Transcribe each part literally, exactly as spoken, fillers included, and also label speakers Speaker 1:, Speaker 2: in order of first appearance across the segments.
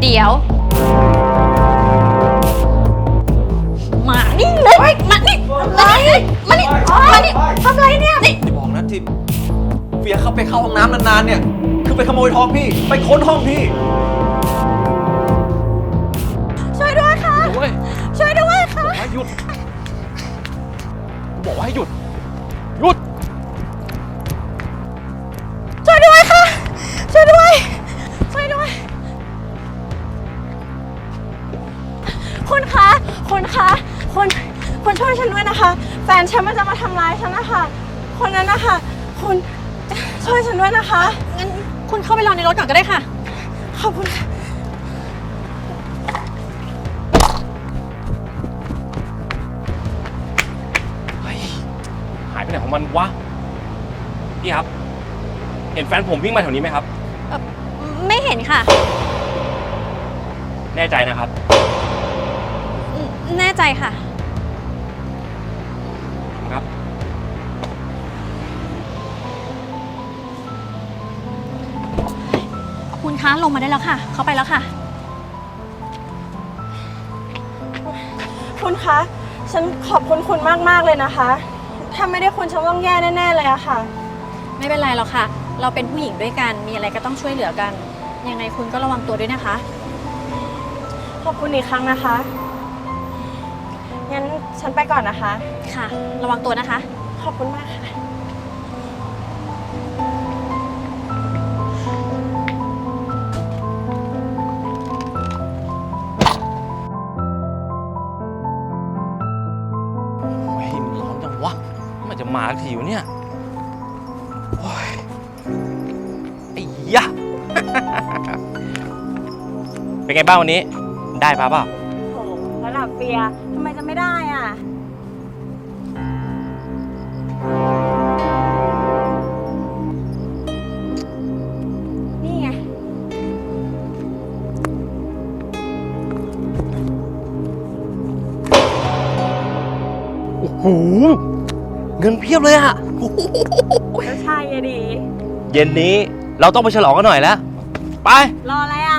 Speaker 1: เดี๋ยวมานี่เลยมานี่อะไรมานี่มานี่ทำไรเนี่ยนี่
Speaker 2: อย่าบอกนะที่เฟียเขาไปเข้าห้องน้ำนานๆเนี่ยคือไปขโมยทองพี่ไปค้นห้องพี่
Speaker 1: ช่วยด้วยค่ะช่วยด้วยค่ะ
Speaker 2: ให้หยุดบอกว่าให้หยุดหยุด
Speaker 1: ช่วยด้วยค่ะช่วยด้วยช่วยด้วยคุณคะคุณคะคุณคุณช่วยฉันด้วยนะคะแฟนฉันมันจะมาทำร้ายฉันนะคะคนนั้นนะคะคุณช่วยฉันด้วยนะคะงั้นคุณเข้าไปรอในรถก่อนก็ได้ค่ะขอบคุณค่ะ
Speaker 3: หายไปไหนของมันวะพี่ครับเห็นแฟนผมวิ่งมาแถวนี้ไหมครับ
Speaker 1: ไม่เห็นค่ะ
Speaker 3: แน่ใจนะครับ
Speaker 1: แน่ใจค่ะ
Speaker 3: ครับ
Speaker 1: คุณคะลงมาได้แล้วค่ะเขาไปแล้วค่ะคุณคะฉันขอบคุณคุณมากๆเลยนะคะถ้าไม่ได้คุณฉันต้องแย่แน่ๆเลยอะค่ะไม่เป็นไรหรอกค่ะเราเป็นผู้หญิงด้วยกันมีอะไรก็ต้องช่วยเหลือกันยังไงคุณก็ระวังตัวด้วยนะคะขอบคุณอีกครั้งนะคะงั้นฉันไปก่อนนะคะค่ะระวังตัวนะคะขอบคุณมากค่ะ
Speaker 3: โอ้ยมันร้อนจังวะมันจะมาทีวะเนี่ยโอ้ยไอ้ยะ เป็นไงบ้างวันนี้ได้ปะเปล่า
Speaker 1: โอ้ระดับเฟียทำไมจะไม่ได้อ่ะนี่ไง
Speaker 3: โอ้โหเงินเพียบเลยอะ
Speaker 1: ก็ใช่อะดิ
Speaker 3: เย็นนี้เราต้องไปฉลองกันหน่อยแล้วไป
Speaker 1: รออะไรอ่ะ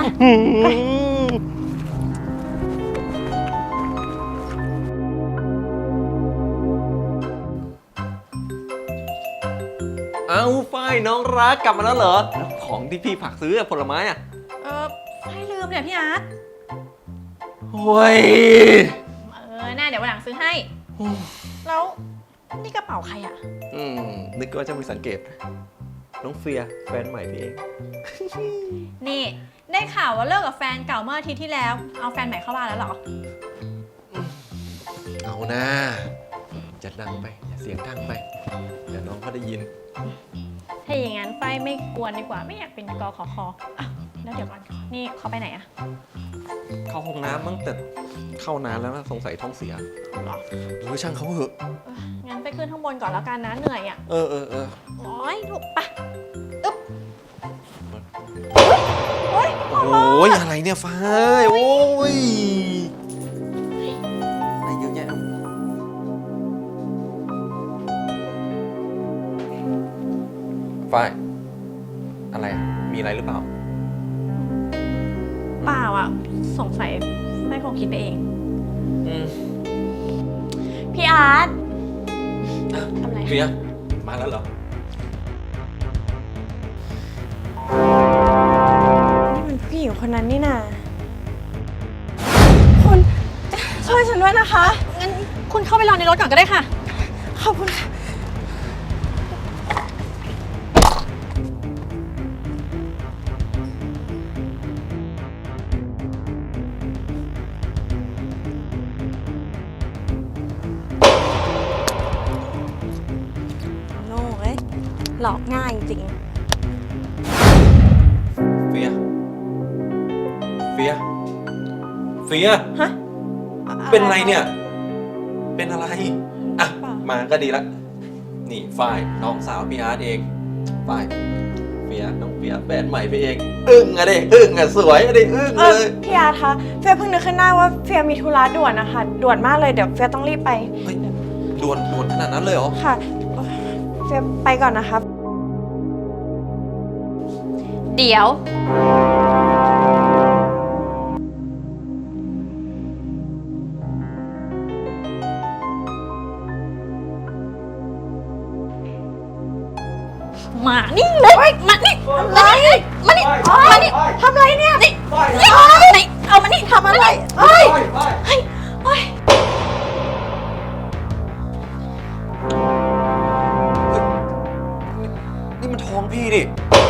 Speaker 2: เอ้าฝ้ายน้องรักกลับมาแล้วเหรอของที่พี่ฝากซื้อผลไม้อ่ะ
Speaker 1: เออไม่ลืมเนี่ยพี่อาร์ต
Speaker 2: โอ้ย
Speaker 1: เออน่าเดี๋ยววันหลังซื้อให้แล้วนี่กระเป๋าใครอ่ะ
Speaker 2: อืมนึกว่าจะมีสังเกตน้องเฟียแฟนใหม่พี่เอง
Speaker 1: นี่ได้ข่าวว่าเลิกกับแฟนเก่าเมื่ออาทิตย์ที่แล้วเอาแฟนใหม่เข้าบ้านแล้วเหรอ
Speaker 2: เอานะจะดังไปอย่าเสียงดังไปเดี๋ยวน้องเขาได้ยิน
Speaker 1: ถ้าอย่างนั้นไฟไม่กวนดีกว่าไม่อยากเป็นกอขอคออ่ะแล้วเดี๋ยวก่อนนี่เขาไปไหนอะ
Speaker 2: เข้าห้องน้ำมั้งแต่เข้านานแล้วนะสงสัยท้องเสียหรอหรือช่างเขาเหอะ
Speaker 1: งั้นไปขึ้นข้างบนก่อนแล้วกันนะเหนื่อยอะ
Speaker 2: เออเออเออ
Speaker 1: โอ้ยถูกปะอึ๊บ
Speaker 2: โอ้ยอะไรเนี่ยฟ้าโอ้ยอะไรเยอะแยะฟ้าอะไรมีอะไรหรือเปล่า
Speaker 1: เปล่าอ่ะสงสัยไม่คงคิดไปเอง
Speaker 2: อืม
Speaker 1: พี่อาร์ตทำอะไร
Speaker 2: เฟียมาแล้วเหรอ
Speaker 1: นี่มันผู้หญิงคนนั้นนี่นาคุณช่วยฉันด้วยนะคะงั้นคุณเข้าไปรอในรถก่อนก็ได้ค่ะขอบคุณค่ะหลอกง่ายจริง
Speaker 2: เฟียเฟียเฟีย
Speaker 1: ฮะ
Speaker 2: เป็นอะไรเนี่ยเป็นอะไรอ่ะมาก็ดีละนี่ฝ้ายน้องสาวพี่อาร์ตเองฝ้ายเฟียน้องเฟียแฟนใหม่ไปเองอึ้งอะดิอึ้งอะสวยอะดิอึ้งเลย
Speaker 1: พี่อาร์ตคะเฟียเพิ่งนึกขึ้นได้ว่าเฟียมีธุระด่วนนะคะด่วนมากเลยเดี๋ยวเฟียต้องรีบไป
Speaker 2: ด่วนด่วนขนาดนั้นเลยเหรอ
Speaker 1: ค่ะเฟียไปก่อนนะคะเดี๋ยวอ้ยมานี่ทำไรมานี่มานี่ทำไรเนี่ยนี่นี่เอามานี่ทำอะไรเฮ้ยเฮ้ยเฮ้ย
Speaker 2: นี่มันทองพี่นี่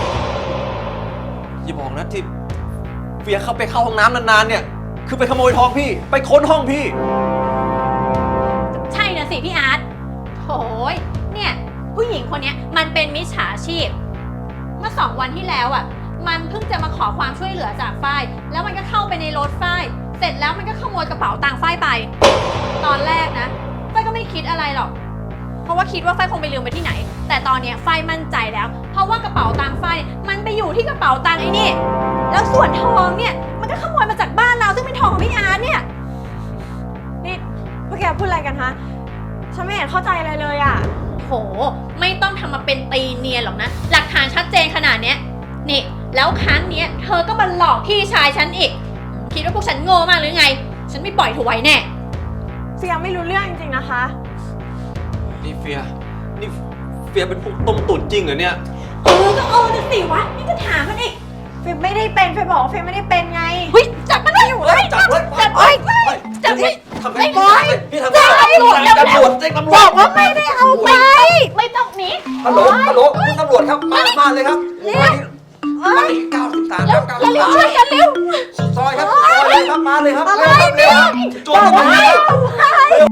Speaker 2: อย่าบอกนะที่เฟียเข้าไปเข้าห้องน้ำนานๆเนี่ยคือไปขโมยทองพี่ไปค้นห้องพี่
Speaker 4: ใช่นะสิพี่อาร์ตโถยเนี่ยผู้หญิงคนเนี้ยมันเป็นมิจฉาชีพ เมื่อสองวันที่แล้วอ่ะ มันเพิ่งจะมาขอความช่วยเหลือจากฝ้าย แล้วมันก็เข้าไปในรถฝ้าย เสร็จแล้วมันก็ขโมยกระเป๋าตังค์ฝ้ายไป ตอนแรกนะฝ้ายก็ไม่คิดอะไรหรอก เพราะว่าคิดว่าฝ้ายคงไปลืมไปที่ไหน แต่ตอนเนี้ยฝ้ายมั่นใจแล้ว เพราะว่ากระเป๋าตังค์ฝ้ายมันไปอยู่ที่กระเป๋าตังค์ไอ้นี่ แล้วส่วนทองเนี่ยมันก็ขโมยมาจากบ้านเราซึ่งเป็นทองของพี่อาร์ตเนี่ย
Speaker 1: นี่พวกแกพูดอะไรกันฮะฉันไม่เห็นเข้าใจอะไรเลยอ่ะ
Speaker 4: โห ไม่ต้องทำมาเป็นตีเนียนหรอกนะ หลักฐานชัดเจนขนาดเนี้ยนี่ แล้วครั้งเนี้ยเธอก็มาหลอกพี่ชายฉันอีก คิดว่าพวกฉันโง่มากหรือไง ฉันไม่ปล่อยเธอไว้แน่
Speaker 1: เฟียไม่รู้เรื่องจริงๆนะคะ
Speaker 2: นี่เฟียนี่เฟียเป็นพวกต้มตุ๋นจริงเหรอเนี่ย
Speaker 4: เออ ก็เออนะสิวะ นี่จะถามมันอีก
Speaker 1: เฟียไม่ได้เป็นเฟียบอกว่าเฟียไม่ได้เป็นไง
Speaker 4: เฮ้ย จับมันได้อยู่เลย
Speaker 2: จับไว้
Speaker 4: จับ
Speaker 2: ไว้
Speaker 4: ไว้จับไว้
Speaker 2: ทำไม
Speaker 4: บอย
Speaker 2: พี่ทำไมตำรวจตำรวจแจ้งตำรวจ
Speaker 1: บอกว่าไม่ได้เอาไป
Speaker 4: ไม่ต้องหนี
Speaker 2: ฮัลโหลฮัลโหลคุณตำรวจครับมามาเลยครับมาที่เก้าสิบสามครับเก้าสิบ
Speaker 4: เร็ว
Speaker 2: สาม
Speaker 4: ช่วยกันเร็ว
Speaker 2: สุดซอยครับสุดซอยเลยครับมาเลยครับเร็วครับเร็วครับโจรมาเลยครับเร็ว